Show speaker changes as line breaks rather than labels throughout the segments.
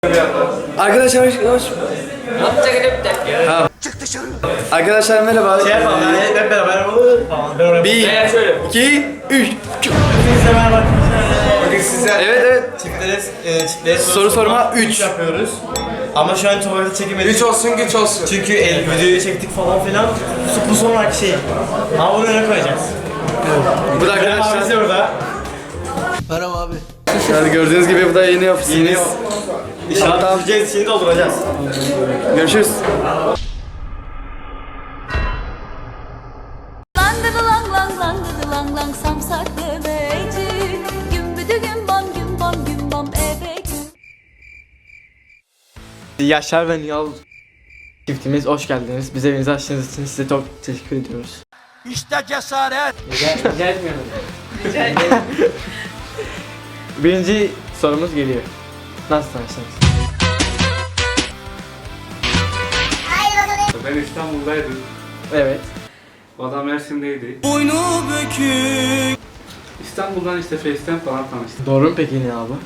Arkadaşlar hoş. Ha. Arkadaşlar merhaba.
Şey yapalım yani hep beraber olur falan.
Bir,
şöyle.
2, 3.
Hepinize merhaba. Bugün sizler
Evet.
çiftlere
Soru sorma 3
yapıyoruz. Ama şu an tuvalete çekemedik.
3 olsun güç olsun.
Çünkü videoyu çektik falan filan. Bu sonraki şey. Ama bunu öne koyacağız.
Bu da
Arkadaşlar.
arkadaşlar.
Orada.
Merhaba abi.
Yani gördüğünüz gibi bu da yeni ofisimiz.
Yeni İnşallah tutacağız, şimdi dolduracağız.
Görüşürüz.
Lang lang lang lang lang samsak demeci gümbüdü gümbam gümbam gümbam ebe
Yaşar ve Nihal çiftimiz hoş geldiniz. Bize evinizi açtığınız için size çok teşekkür ediyoruz.
İşte cesaret.
Rica etmiyorum. Birinci sorumuz geliyor. Nasıl tanıştınız?
Ben İstanbul'daydım.
Evet.
O adam Mersin'deydi.
Boynu bükük.
İstanbul'dan işte Face'ten falan tanıştık.
Doğru mu peki Nihal abi?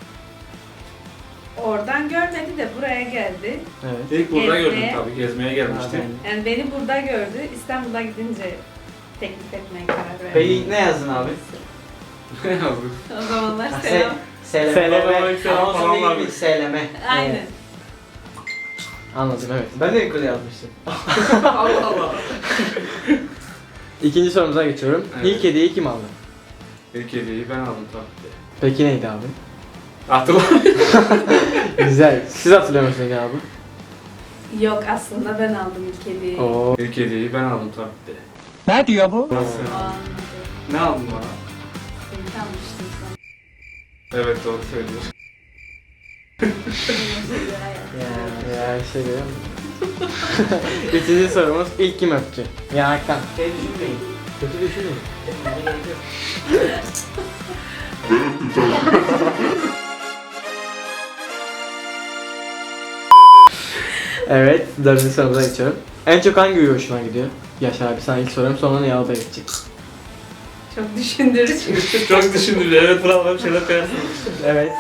Oradan görmedi de buraya geldi.
Evet.
İlk burada
Gezmeye.
gördüm tabii. Gezmeye gelmiştim.
Yani beni burada gördü. İstanbul'a gidince teklif etmeye karar verdi.
Peki ne yazdın abi?
Ne yazdık?
O zamanlar selam.
Seyleme.
Selam falan vardı.
Seyleme.
Aynen.
Anladım evet. Ben de yukarı yazmıştım.
Allah Allah.
İkinci sorumuza geçiyorum.
Evet.
İlk hediyeyi kim aldı?
İlk hediyeyi ben aldım tabii.
Peki neydi abi?
Hatırlamıyorum.
Güzel. Siz hatırlıyor musunuz abi?
Yok aslında ben aldım ilk hediyeyi.
Oo.
İlk hediyeyi ben aldım tabii.
Ne diyor bu?
Nasıl?
O anladı.
Ne aldın bana?
Seni tanımıştım
Evet doğru söylüyorsun.
Ya şey diyor. Üçüncü sorumuz ilk kim öptü? Yanaktan. Şey düşünmeyin. Kötü düşünmeyin. Evet, dördüncü sorumuza geçiyorum. En çok hangi huyu hoşuna gidiyor? Yaşar abi sana ilk sorum sonra Nihal Bey geçecek.
Çok düşündürücü.
Çok düşündüm. Evet bravo bir şeyler koyarsın.
Evet.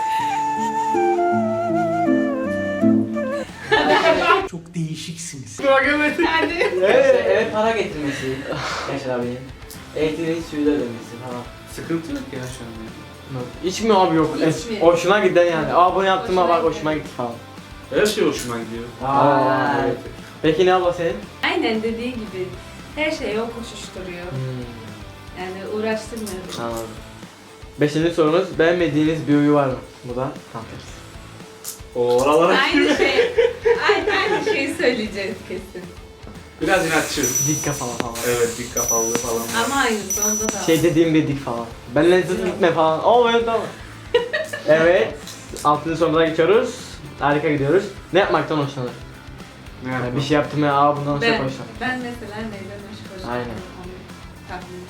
Çok değişiksiniz.
Hadi.
Evet, para getirmesi Yaşar abinin. Elektriğin suyu da ödemesi falan.
Sıkıntı yok ya şu an.
Hiç mi abi yok?
Hiç mi?
Hoşuna giden yani. Aa bunu yaptım
Hoşuna
bak
gitti.
hoşuma gitti falan.
Her şey hoşuma gidiyor.
Aa,
Evet.
Peki ne abla senin?
Aynen dediği gibi her şeyi o koşuşturuyor. Yani uğraştırmıyor.
Anladım. Beşinci sorumuz beğenmediğiniz bir huyu var mı? Bu da tam tersi.
O oralara
Aynı şey. Aynı şeyi söyleyeceğiz kesin.
biraz inatçı.
Dik kafalı falan.
Evet dik kafalılığı falan var.
Ama aynısı onda da.
Şey dediğim bir dik falan. Benle zıt gitme falan. Oo evet tamam. Evet. Altıncı sorumuza geçiyoruz. Harika gidiyoruz. Ne yapmaktan hoşlanır?
Ne
Yani
yapalım?
bir şey yaptım ya aa bundan çok
Ben
hoşlanır.
mesela neyden hoşlanıyorum?
Aynen.
Onu tahmin.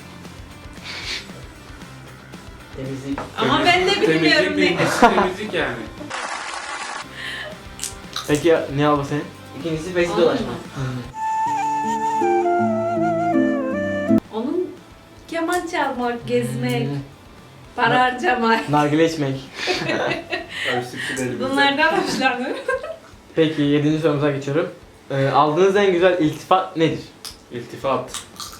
Temizlik.
Ama ben de bilmiyorum ne.
Temizlik yani.
Peki ne abla senin?
İkincisi bezi
Onun
dolaşma.
mu? Onun keman çalmak, gezmek, para harcamak.
Nargile içmek.
Tabii süksü elimizde.
Bunlardan hoşlanıyorum.
Peki yedinci sorumuza geçiyorum. Aldığınız en güzel iltifat nedir?
İltifat.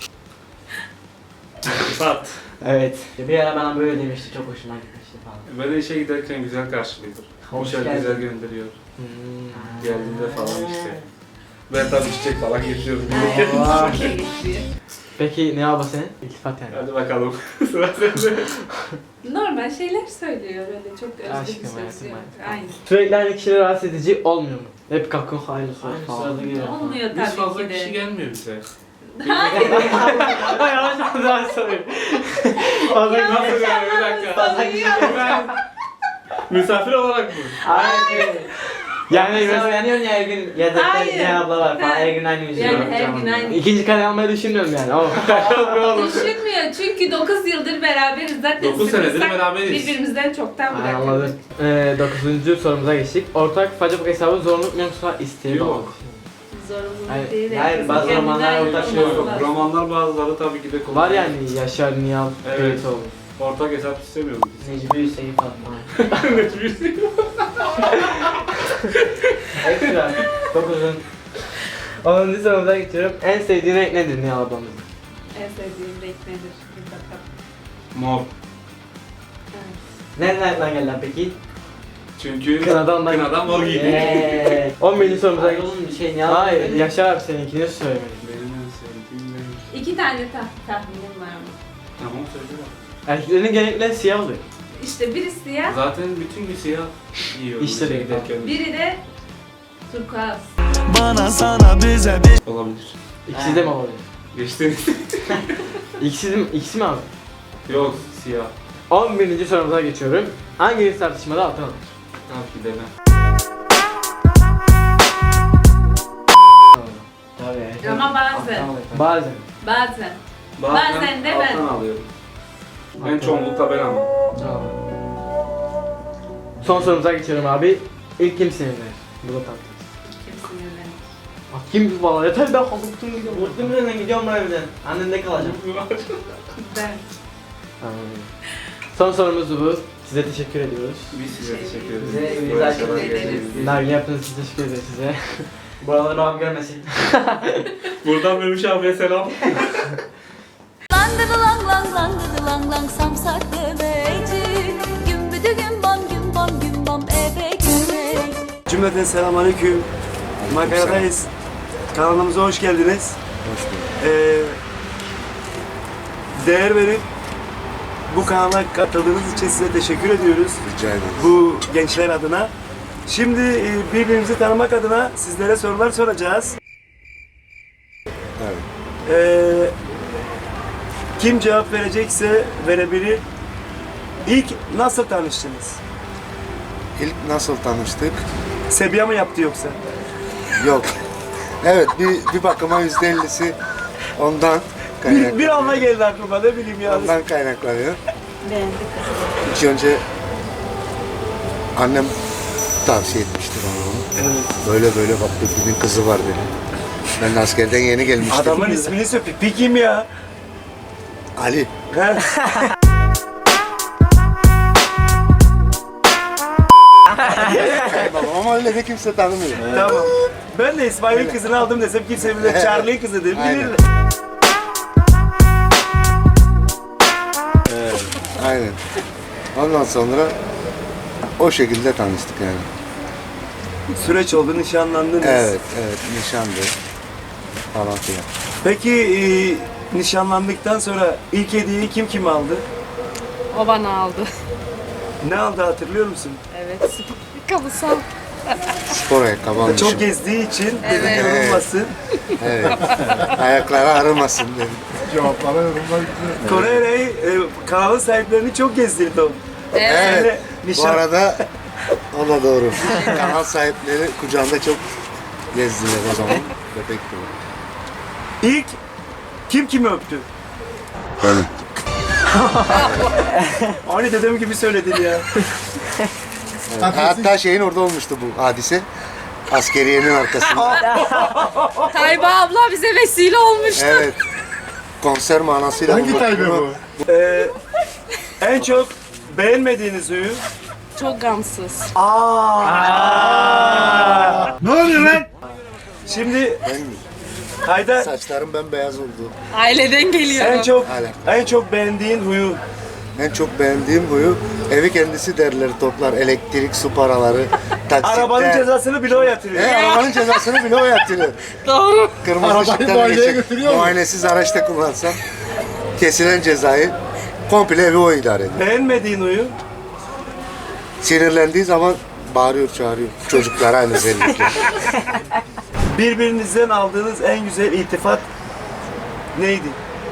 İltifat.
Evet.
Bir ara bana böyle demişti, çok hoşuma gitmişti falan.
Böyle işe giderken güzel karşılıyordur.
Hoş
Güzel
geldin.
güzel gönderiyor.
Hmm.
Geldiğinde falan işte. Ben tabii çiçek falan getiriyorum.
Aa.
Okey geçiyor.
Peki ne abla senin? İltifat yani.
Hadi bakalım. Sıra sende.
Normal şeyler söylüyor öyle çok özlü
Aşkım,
bir söz
hayatım,
yok.
hayatım.
Aynen.
Sürekli aynı kişileri rahatsız edici olmuyor mu? Hep kalkın aynı soru
Aynı
falan.
sırada geliyor.
Olmuyor
Biz
tabii
fazla
ki
kişi
de.
gelmiyor bize.
Hayır.
Yavaş yavaş soruyorum. Fazla
Nasıl yani bir dakika. Ben misafir olarak mı?
Aynen. Yani
Sen uyanıyorsun ya her gün, ya da
Hayır.
ne abla var falan,
Ha.
her gün aynı yüzü.
Yani her gün aynı.
ikinci kare almayı düşünmüyorum yani ama.
Düşünmüyor çünkü 9 yıldır beraberiz zaten.
9 senedir
sıkılsak
beraberiz.
Birbirimizden çoktan
Ay,
bırakıyoruz.
anladım. Dokuzuncu sorumuza geçtik. Ortak Facebook hesabı zorunluluk mu yoksa isteği
Yok.
bağlı?
Zorunluluk
Hayır.
değil.
Hayır,
herkesin
bazı
kendine
romanlar
ait
ortak şey
olması
yok.
lazım.
Romanlar bazıları tabii ki de kolay.
Var yani Yaşar Nihal
Evet.
Kılıçoğlu.
Ortak hesap istemiyoruz biz.
Necmi Hüseyin Fatma.
Ekstra. Çok uzun. 10. sorumuza geçiyorum. En sevdiğin renk nedir Nihal ablamızın?
En sevdiğim renk nedir? Bir bakalım.
Mor.
Evet.
Nereden geldi peki?
Çünkü
Kınadan
mor giydi.
Eee. 11. sorumuza
Ay
geçiyorum.
oğlum bir şey ne yapayım?
Hayır, Yaşar abi seninkini söylemedi.
Benim en sevdiğim renk.
2 tane tahminim var ama.
Tamam söyle.
Erkeklerin genellikle siyah oluyor.
İşte biri siyah,
Zaten bütün gün siyah giyiyorum.
İşte
işe
değil.
giderken.
biri de turkuaz.
Bana sana bize bir
Olabilir.
İkisi de mi olabilir?
Geçti.
İkisi mi abi?
Yok siyah.
11. sorumuza geçiyorum. Hanginiz tartışmada altın alır?
Tabii ki de ben.
Tabii.
Ama bazen.
Bazen.
Bazen. Bazen de ben.
alttan alıyorum. En çoğunlukla ben ama.
Son sorumuza geçiyorum abi. İlk kim sinirlenir? Bu da tatlı.
Kim sinirlenir?
Kim valla yeter ben kalktım gidiyorum.
Muhtemelen gidiyorum ben evden. Annemde kalacağım.
Ben.
Son sorumuz bu. Size teşekkür ediyoruz.
Biz size teşekkür ederiz.
Bize evinizi
Böyle
açık
şeyler
ederiz.
geldiğiniz için.
Nargile yaptığınız için teşekkür ederiz size.
Buraları babam görmesin.
Buradan Memiş abiye selam.
Langıdı lang lang langıdı lang lang samsak bebecik Gümbüdü gümbam ebe gümbey.
Cümleten selamünaleyküm. Makaradayız. Kanalımıza hoş geldiniz.
Hoş bulduk.
Değer verip bu kanala katıldığınız için size teşekkür ediyoruz.
Rica ederim.
Bu gençler adına. Şimdi birbirimizi tanımak adına sizlere sorular soracağız.
Evet.
Kim cevap verecekse verebilir. İlk nasıl tanıştınız?
İlk nasıl tanıştık?
Sebiya mı yaptı yoksa?
Yok. Evet, bir bakıma %50'si ondan kaynaklanıyor.
Bir anla geldi aklıma, ne bileyim ya.
Ondan kaynaklanıyor.
Beğendik.
İlk önce annem tavsiye etmişti bana onu.
Evet.
Böyle bak bir kızı var dedi. Ben de askerden yeni gelmiştim.
Adamın ismini söyle. Pipi kim ya?
Ali.
He?
Babam ama öyle de kimse tanımıyor.
Tamam. Ben de İsmail'in kızını aldım desem kimse bilir. Charlie'nin kızıdır.
Aynen.
Bilirler.
Aynen. Ondan sonra o şekilde tanıştık yani.
Süreç oldu, nişanlandınız.
Evet, nişandı falan filan.
Peki nişanlandıktan sonra ilk hediyeyi kim aldı?
O bana aldı.
Ne aldı hatırlıyor musun?
Evet. Kabusal.
Spor ayakkabı almışım.
Çok gezdiği için
Evet.
dedi yorulmasın.
Evet. Ayakları ağrımasın dedim.
Kore'yi kanalın sahiplerini çok gezdirdi o.
Evet. Bu
Nişan...
arada o da doğru. Kanal sahipleri kucağında çok gezdiler o zaman. Bebek gibi.
İlk kim kimi öptü?
Benim.
Aynı dedem gibi söyledin ya.
Evet. Hatta şeyin orada olmuştu bu hadise. Askeriyenin arkasında.
Tayba abla bize vesile olmuştu.
Evet. Konser manasıyla. Hangi taybe bu?
En çok beğenmediğiniz huyu?
Çok gamsız.
Ne oluyor lan? Şimdi Haydar
Saçlarım bembeyaz oldu.
Aileden geliyorum.
Hala.
en çok beğendiğin huyu?
En çok beğendiğim huyu evi kendisi derleri toplar. Elektrik, su paraları, taksitler.
Arabanın cezasını bile o yatırıyor.
Arabanın cezasını bile o yatırıyor.
Doğru.
Kırmızı ışıktan geçip muayenesiz araçta kullansam kesilen cezayı komple evi o idare ediyor.
Beğenmediğin huyu?
Sinirlendiği zaman bağırıyor, çağırıyor. Çocuklara özellikle.
Birbirinizden aldığınız en güzel iltifat neydi?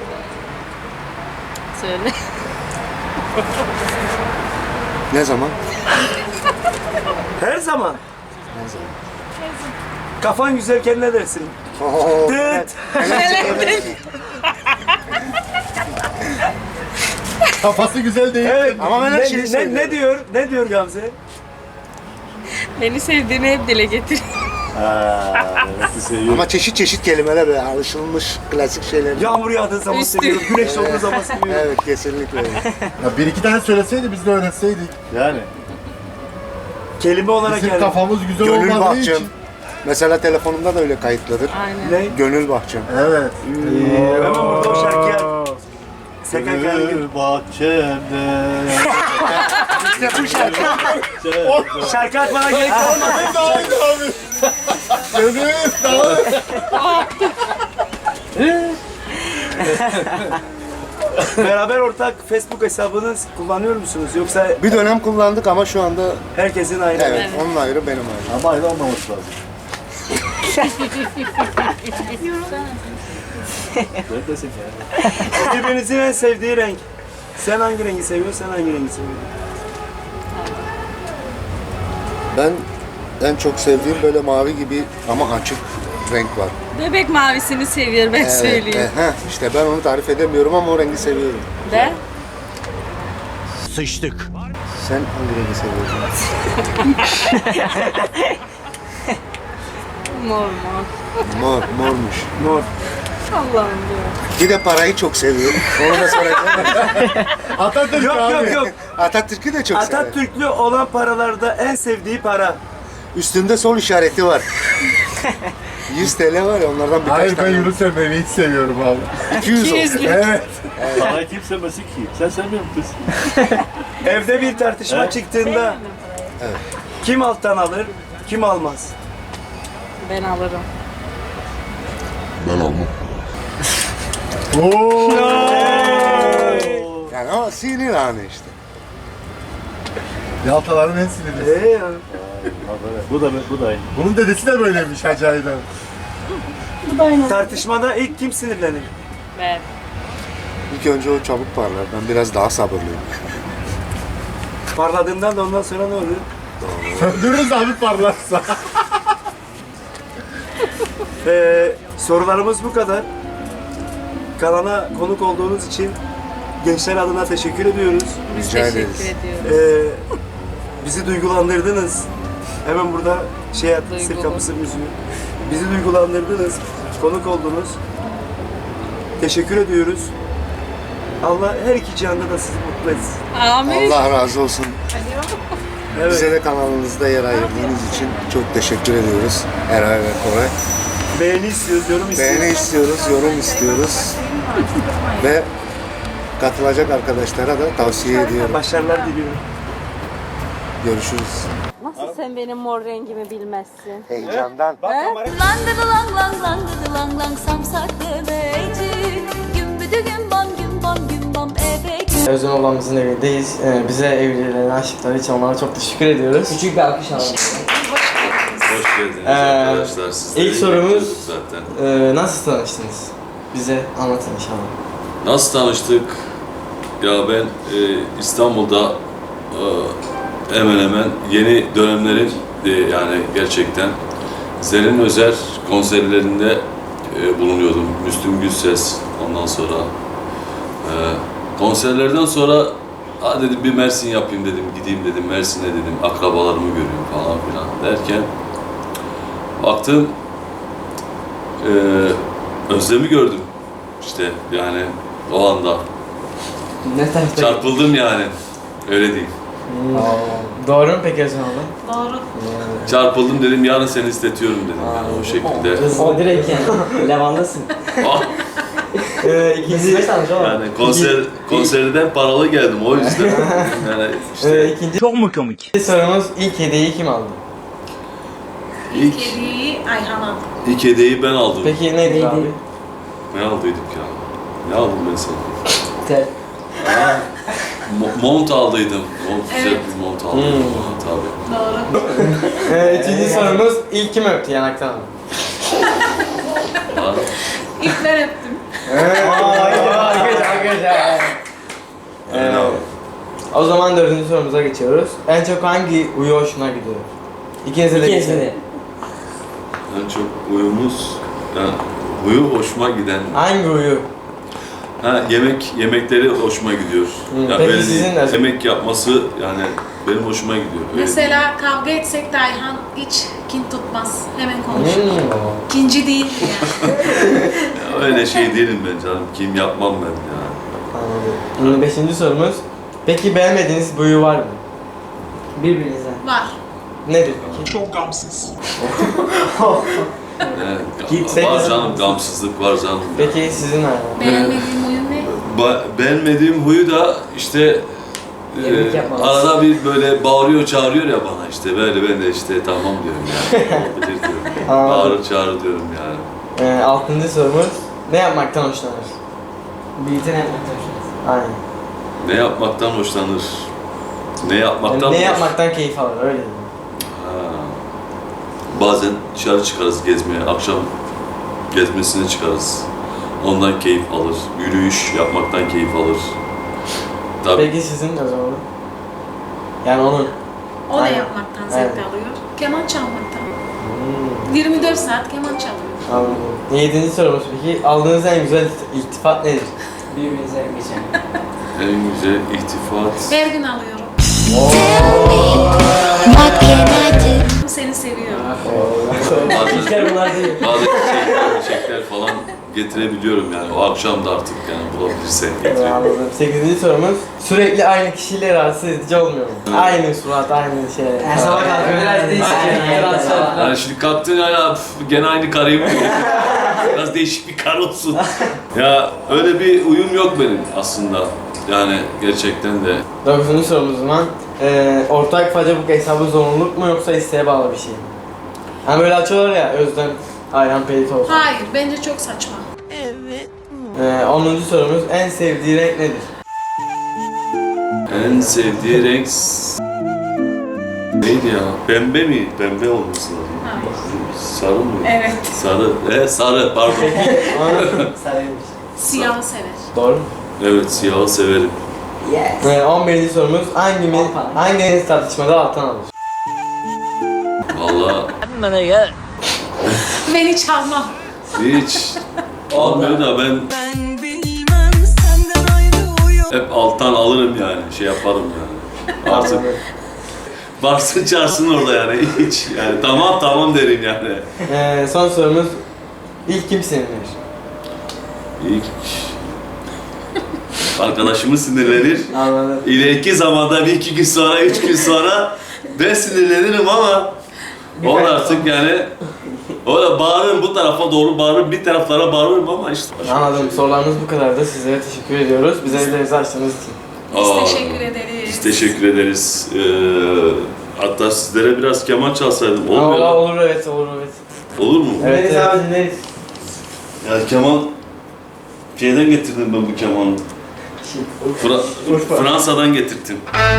Söyle.
Ne zaman?
Her zaman.
Ne zaman?
Kafan güzelken ne dersin?
Oo,
Dıt.
Kafası güzel değil.
Evet.
Ama ben her şeyi
ne
seviyorum.
diyor? Ne diyor Gamze?
Beni sevdiğini hep dile getir.
Ama çeşit çeşit kelimeler böyle alışılmış klasik şeyler.
Yağmur yağdığı zaman
Üstü.
seviyorum, güneş doğduğu zaman seviyorum.
Evet, kesinlikle öyle.
Ya bir iki tane söyleseydi biz de öğrenseydik. Yani.
kelime olarak
Bizim
yani.
kafamız güzel
Gönül
olmadığı
bahçem.
için. Mesela telefonumda da öyle kayıtlıdır.
Aynen.
Ne?
Gönül bahçem. Evet.
Hemen burada o şarkıya. SKK'nın
Gönül bahçemde.
İşte bu şarkı. Şarkı atmana gerek kalmadı.
Gönül
Beraber ortak Facebook hesabını kullanıyor musunuz? Yoksa
Bir dönem kullandık ama şu anda
herkesin ayrı?
evet, onun ayrı benim ayrı. Ama ayrı olmaması lazım.
Birbirinizin en sevdiği renk. Sen hangi rengi seviyorsun, sen hangi rengi seviyorsun?
Ben en çok sevdiğim böyle mavi gibi ama açık renk var.
Bebek mavisini seviyor ben söyleyeyim.
İşte ben onu tarif edemiyorum ama o rengi seviyorum.
De?
Sıçtık.
Sen hangi rengi seviyorsun?
Mor.
Mormuş.
Mor.
Allah'ım diyor.
Bir de parayı çok seviyorum. Onu da soracağım. Atatürk
Yok.
Atatürk'ü de çok severim.
Atatürklü olan paralarda en sevdiği para.
Üstünde sol işareti var. 100 TL var ya onlardan birkaç
Hayır ben
tane.
Yunus Emre'yi hiç seviyorum abi.
200 olsun.
Evet.
Parayı kim sevmesin ki? Sen sevmiyor musun?
Evde bir tartışma çıktığında
Evet.
kim alttan alır, kim almaz?
Ben alırım.
Yani o sinir anı işte.
Yaltaların en sinirlisi.
Ya.
Bu da aynı.
Bunun dedesi de böyleymiş acayiden.
Tartışmada ilk kim sinirlenir?
Ben.
İlk önce o çabuk parlar. Ben biraz daha sabırlıyım.
Parladığından da ondan sonra ne oluyor?
Söndürürüz abi parlarsa.
Sorularımız bu kadar. Kanala konuk olduğunuz için gençler adına teşekkür ediyoruz.
Biz
Rica
teşekkür
ederiz.
ediyoruz.
Bizi duygulandırdınız. Hemen burada şey yaptı, sır
Duygulu.
kapısı müziği. Bizi duygulandırdınız. Konuk oldunuz. Teşekkür ediyoruz. Allah her iki cihanda da sizi mutlu etsin.
Amin.
Allah razı olsun.
Evet.
Bize de kanalınızda yer ayırdığınız için çok teşekkür ediyoruz. Eray ve Koray.
Beğeni istiyoruz, yorum istiyoruz.
Beğeni istiyoruz, yorum istiyoruz. Ve katılacak arkadaşlara da tavsiye ediyorum.
Başarılar diliyorum.
Görüşürüz.
Nasıl sen benim mor rengimi bilmezsin?
Heyecandan.
Langıdı lang lang langıdı lang lang samsak demeci Gümbüdü gümbam gümbam gümbam ebek
Özlem ablamızın evindeyiz. Bize evlilerine aşıkları için onlara çok teşekkür ediyoruz.
Küçük bir alkış alalım.
Hoş geldiniz arkadaşlar. Sizleri
İlk sorumuz
bekliyorduk zaten.
nasıl tanıştınız? Bize anlatın inşallah.
Nasıl tanıştık? Ya ben İstanbul'da hemen hemen yeni dönemlerin yani gerçekten Zerrin Özer konserlerinde bulunuyordum. Müslüm Gürses ondan sonra konserlerden sonra dedim bir Mersin yapayım dedim, gideyim dedim, Mersin'e dedim, akrabalarımı göreyim falan filan derken baktım Özlem'i gördüm işte yani o anda
Ne tarafta?
çarpıldım yani öyle diyeyim.
Doğru mu peki Özlem abla?
Doğru.
Çarpıldım dedim yarın seni istetiyorum dedim yani o şekilde.
O direkt yani. Levandasın.
Ah,
İkinci,
yani konserden paralı geldim o yüzden yani işte
ikinci
Çok mu komik?
sorumuz ilk hediyeyi kim aldı?
ilk,
Kediyi Ayhan aldı.
ilk hediyeyi ben aldım.
Peki neydi abi?
Ne aldıydık ya? Ne aldım ben sana?
Tel.
Mont aldıydım. Güzel bir mont aldıydım. Tabii.
Doğru.
Üçüncü sorumuz ilk kim öptü yanaktan?
Ha,
İlk ben öptüm.
Arkadaşlar.
öyle abi.
O zaman dördüncü sorumuza geçiyoruz. En çok hangi uyu hoşuna gidiyor? İkinize de
İkinize
geçelim.
de.
En çok uyumuz, yani huyu hoşuma giden.
Hangi uyu?
Yemekleri hoşuma gidiyor. Yani
peki
böyle
sizin nasıl?
yemek yapması yani benim hoşuma gidiyor. Öyle
Mesela kavga etsek de Ayhan hiç kin tutmaz. Hemen konuşur. Kinci değil yani.
Ya öyle şey değilim ben canım. Kim yapmam ben ya.
Anladım. Beşinci sorumuz. Peki beğenmediğiniz bir uyu var mı?
Birbirinizden.
Var.
nedir peki?
Çok gamsız.
Gitsek
Var
mi?
canım, gamsızlık var canım.
Peki sizin abi?
Beğenmediğim oyun ne?
Beğenmediğim huyu da işte
Yemek yapmamız.
arada bir böyle bağırıyor çağırıyor ya bana işte böyle ben de işte tamam diyorum yani. Olabilir diyorum.
Anladım.
Bağırır çağırır diyorum yani.
6. sorumuz, ne yapmaktan hoşlanır?
Birlikte ne yapmaktan hoşlanırsın?
Aynen.
Ne yapmaktan hoşlanır? Ne yapmaktan
Yani ne
hoş-
yapmaktan keyif alır, öyle diyeyim.
Ha. Bazen dışarı çıkarız gezmeye, akşam gezmesine çıkarız. Ondan keyif alır. Yürüyüş yapmaktan keyif alır. Tabii.
Peki sizin o zaman? Yani onun.
O da
Aynen.
yapmaktan zevk
Aynen.
alıyor. Keman çalmaktan. 24 saat keman çalıyor.
Anladım. 7. sorumuz peki, aldığınız en güzel iltifat nedir?
Birbirinize geçen.
En güzel iltifat.
Her gün alıyorum. Seni seviyorum.
İlkler bunlar değil.
Bazı çiçekler falan getirebiliyorum yani. O akşam da artık yani bulabilirsen getiriyorum.
Anladım. 8. sorumuz, sürekli aynı kişiyle rahatsız edici olmuyor mu? Aynı surat, aynı şey.
Her sabah kalkıyor biraz değişik.
Yani şimdi kalktın ya gene aynı karıyı mı görüyorsun? Biraz değişik bir kar olsun. Ya öyle bir uyum yok benim aslında. Yani gerçekten de.
9. sorumuz o zaman, ortak Facebook hesabı zorunluluk mu yoksa isteğe bağlı bir şey mi? Hani böyle açıyorlar ya, Özlem Ayhan Pelit olsun.
Hayır, bence çok saçma.
10. sorumuz, en sevdiği renk nedir?
En sevdiği renk neydi ya? Pembe mi? Pembe olması lazım.
Hayır.
Sarı mı?
Evet.
Sarı. Sarı pardon.
Sarıymış.
Siyahı sever.
Doğru mu?
Evet siyahı severim.
Yes.
11. sorumuz, hanginiz tartışmada alttan alır?
Vallahi
Ben hiç almam.
hiç almıyor da ben hep alttan alırım yani. Şey yaparım yani. Artık varsın çağırsın orada yani. Hiç yani tamam derim yani.
Son sorumuz, ilk kim sinirlenir?
İlk arkadaşımız sinirlenir.
Anladım.
İleriki zamanda bir iki gün sonra, 3 gün sonra ben sinirlenirim ama o da artık yani o da bağırırım bu tarafa doğru bağırırım, bir taraflara bağırırım ama işte.
Anladım. Sorularımız bu kadardı. Sizlere teşekkür ediyoruz. Bize ellerinizi açtığınız için.
Biz teşekkür ederiz.
Biz teşekkür ederiz. Hatta sizlere biraz keman çalsaydım olur mu? ya?
Olur evet.
Olur mu?
Evet abi dinleriz.
Ya keman şeyden getirdim ben bu kemanı. Fransa'dan getirdim.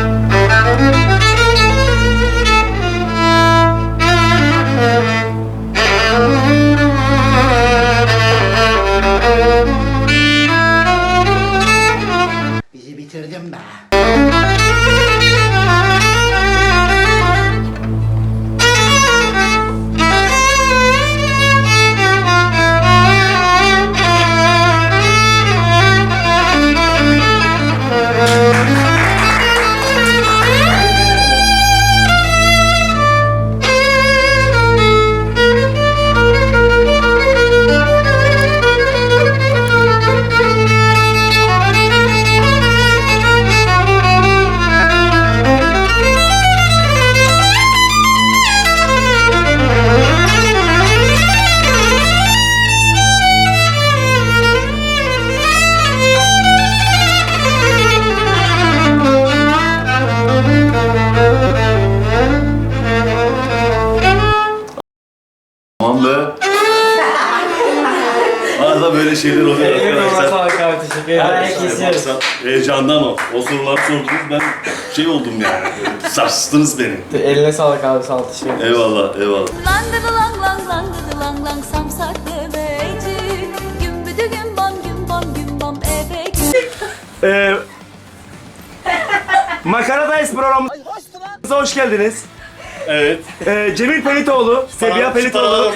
Bizi bitirdin be.
Aman be. Arada böyle şeyler oluyor
Eline
arkadaşlar.
sağlık abi. Teşekkür ederiz.
Maksat heyecandan o soruları sordunuz ben şey oldum yani. Böyle sarstınız beni.
Eline sağlık abi. Sağ ol. Teşekkür ederiz.
Eyvallah.
Langıdı lang lang langıdı lang lang samsaklı beycik Gümbüdü gümbam gümbam gümbam ebe
Makaradayız programımıza hoş geldiniz.
Evet.
Cemil Pelitoğlu, Sebiha Pelitoğlu.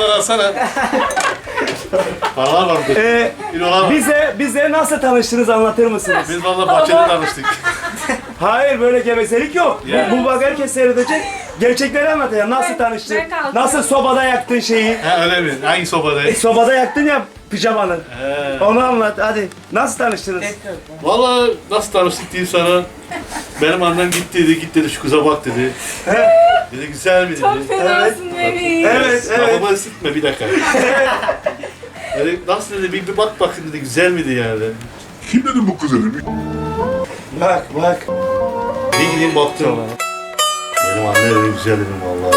Paralar var burada.
Bize nasıl tanıştınız anlatır mısınız?
Biz valla bahçede tanıştık.
Hayır böyle gevezelik yok. Bu bak herkes seyredecek. Gerçekleri anlatacağım. Nasıl tanıştın?
ben kalkıyorum.
Nasıl sobada yaktın şeyi?
Ha öyle mi? Hangi sobadayız?
Sobada yaktın ya pijamanı. Onu anlat hadi. Nasıl tanıştınız?
Valla nasıl tanıştık diyeyim sana. Benim annem git dedi şu kıza bak dedi. Dedi güzel mi dedi.
Çok fenasın bebeğim.
Evet, evet.
Kafama ısıtma bir dakika. Yani nasıl dedi bir bak bakayım dedi güzel miydi yani.
Kim dedi bu kız dedi?
Bak bak.
Bir gideyim baktım. Benim anne dedi güzel dedim vallahi.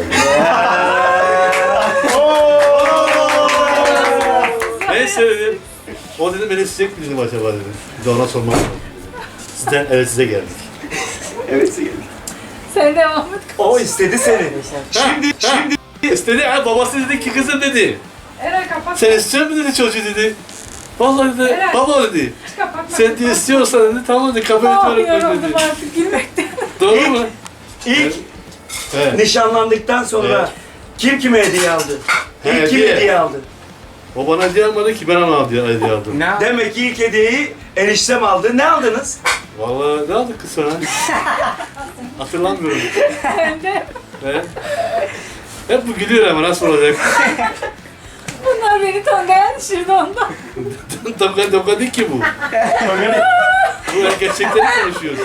Neyse dedim. O dedim beni sıcak mı dedim acaba dedim. Bir de ona sormak lazım dedim. Sizden evet size geldik.
Evet sevgili.
Sen devam et.
O istedi seni.
Şimdi istedi ha babası dedi ki kızım dedi.
Eray kapat.
Sen istiyor musun dedi çocuğu dedi. Vallahi dedi
Evet.
baba dedi.
Kapatma.
Sen diye istiyorsan dedi tamam dedi kabul ediyorum ben
Yoruldum
dedi.
artık gülmekten.
Doğru mu?
İlk
Evet.
nişanlandıktan sonra
Evet.
kim kime hediye aldı? İlk
Hediye.
kim hediye aldı?
O bana hediye almadı ki ben ona hediye aldım.
Demek ki ilk hediyeyi eniştem aldı. Ne aldınız?
Vallahi ne aldık kız sana? Hatırlamıyorum.
Ben de.
He? Hep bu gülüyor ama nasıl olacak?
Bunlar beni tongaya düşürdü ondan.
Toka değil ki bu. Bu gerçekten konuşuyor.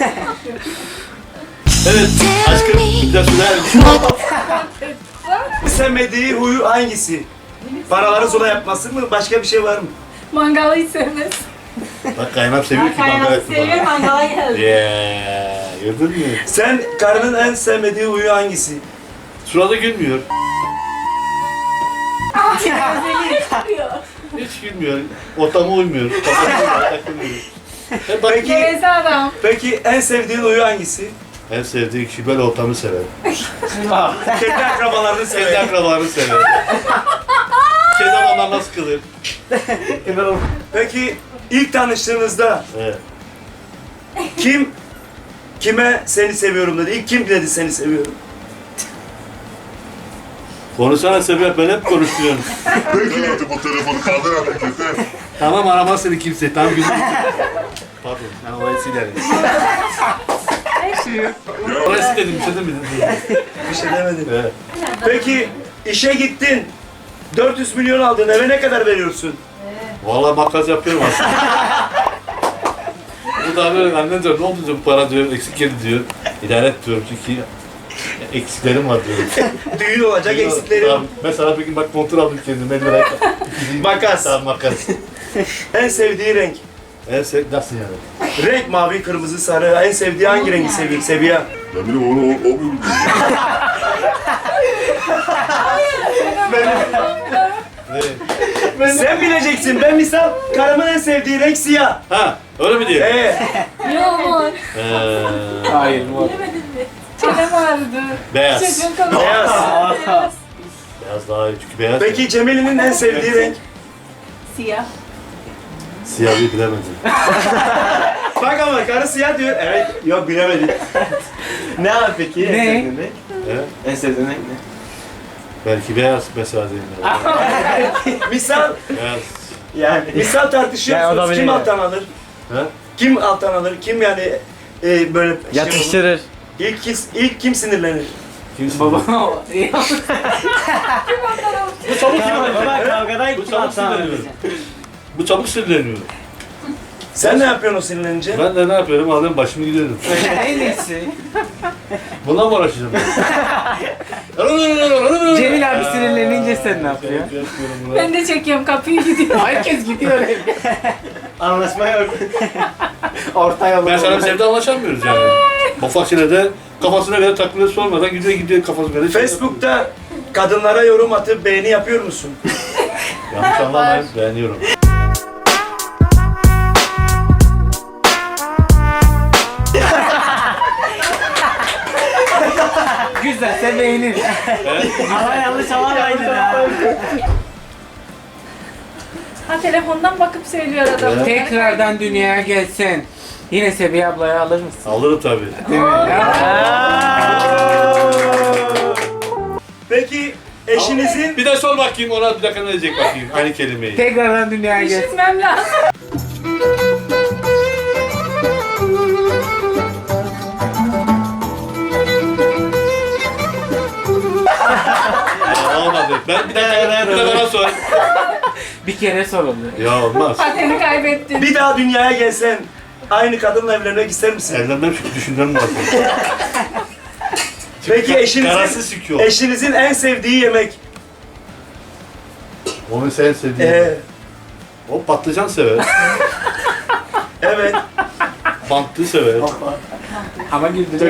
Evet, aşkım bir de söyler misin?
Sevmediği huyu hangisi? Paraları zula yapması mı? Başka bir şey var mı?
Mangalı hiç sevmez.
Bak kaynap seviyor ki mangala etme bana.
mangala geldi.
Yeah, gördün mü?
Sen karının en sevmediği huyu hangisi?
Şurada gülmüyor.
Yapıyor.
Hiç gülmüyor. Ortama uymuyor. Kafasına takılmıyor. Hep bak,
Peki,
Geveze adam.
peki en sevdiğin huyu hangisi?
en sevdiği kişi böyle ortamı sever.
Kendi akrabalarını
Kendi
sever.
akrabalarını sever. Kendi adamlarına sıkılır.
Peki ilk tanıştığınızda
Evet.
kim kime seni seviyorum dedi? İlk kim dedi seni seviyorum?
Konuşsana Sebep, ben hep konuşturuyorum.
Peki artık o telefonu kaldır artık yeter.
Tamam aramaz seni kimse, tamam güzel. Pardon, ben orayı silerim. Orayı siledim, bir şey demedim.
Bir şey demedim.
Evet.
Peki işe gittin. 400 milyon aldın. Eve ne kadar veriyorsun?
Vallahi makas yapıyorum aslında. Bu da böyle annen diyor, ne oldu diyor, bu para diyor, eksik geldi diyor. İdare et diyorum çünkü eksiklerim var diyor.
Düğün olacak eksiklerim.
Tamam, mesela bir gün bak montur aldım kendime, 50 liraya.
Makas.
Tamam makas.
En sevdiği renk.
Nasıl yani?
Renk mavi, kırmızı, sarı. En sevdiği hangi rengi seviyor? Seviyor.
Ben bileyim onu o mu?
Sen bileceksin. Ben misal karımın en sevdiği renk siyah.
Ha, öyle mi diyor?
Yok.
Hayır mor.
Çenem ağrıdı.
Beyaz.
Çocuğun kanalı.
Beyaz.
Beyaz daha iyi çünkü beyaz.
Peki Cemil'in en sevdiği renk?
Siyah.
Siyahı bilemedim.
Bak ama karı siyah diyor. Evet. Yok bilemedim.
Ne abi peki? En sevdiğin renk?
He?
En sevdiğin renk ne?
Belki beyaz mesela diyeyim.
Misal
Beyaz.
Yani.
misal
Yani o da
tartışıyorsunuz. Kim
bilir.
alttan alır?
He?
Kim alttan alır? Kim yani böyle
Yatıştırır.
ilk kim sinirlenir?
Kimsin?
Baba.
Bu çabuk
Baba kavgadan
Bu
kim
çabuk
atsan
sinirleniyor. Bu çabuk sinirleniyor.
Sen ne yapıyorsun o sinirlenince?
Ben de ne yapıyorum? Alıyorum başımı gidiyorum.
En iyisi.
Bundan mı uğraşacağım ben?
Cemil abi sinirlenince sen ne yapıyorsun?
Ben de çekiyorum kapıyı gidiyor.
Herkes gidiyor evde.
Anlaşma yok.
Orta yolu.
Ben sana bir sevde anlaşamıyoruz yani. Ufak şeylerde kafasına göre takılır sormadan gidiyor kafasına göre.
Facebook'ta kadınlara yorum atıp beğeni yapıyor musun?
Yanlış anlamayın, beğeniyorum.
Güzel sen beğenir.
Ama yanlış alamaydı ya.
Ha telefondan bakıp söylüyor adam.
Tekrardan dünyaya gelsen yine Sebiye ablayı alır mısın?
Alırım tabii.
Değil mi?
Peki eşinizin
Bir de sor bakayım ona bir dakika ne diyecek bakayım aynı kelimeyi.
Tekrardan dünyaya gelsen.
Düşünmem lazım.
Olmadı. Ben bir de bana sor.
Bir kere soruldu.
Ya olmaz.
Pateni kaybettin.
bir daha dünyaya gelsen aynı kadınla evlenmek ister misin?
Evlenmem çünkü düşünmem lazım.
Peki
Kararsız çıkıyor.
eşinizin en sevdiği yemek?
Onu sen sevdiğin. O patlıcan sever.
Evet.
Bantlı sever.
Ama güldü.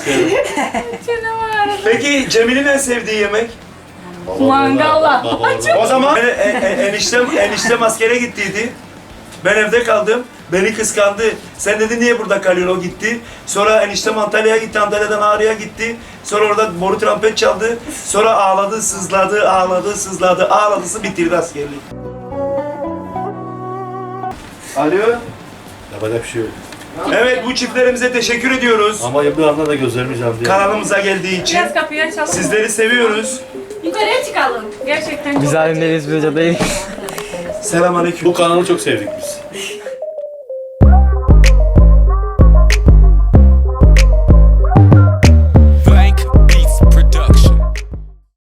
Peki Cemil'in en sevdiği yemek?
Mangala.
O zaman eniştem askere gittiydi. Ben evde kaldım. Beni kıskandı. Sen dedi niye burada kalıyorsun? O gitti. Sonra eniştem Antalya'ya gitti. Antalya'dan Ağrı'ya gitti. Sonra orada boru trompet çaldı. Sonra ağladı, sızladı, ağladı, sızladı. Ağladısı bitirdi askerliği. Alo.
Yapacak bir şey yok.
Evet bu çiftlerimize teşekkür ediyoruz.
Ama bir anda da gözlerimi diye.
Kanalımıza geldiği için.
Biraz kapıyı açalım.
Sizleri seviyoruz.
Yukarıya çıkalım. Gerçekten çok
Biz alemdeyiz, biz hocadayız.
Selamünaleyküm.
Bu kanalı çok sevdik biz.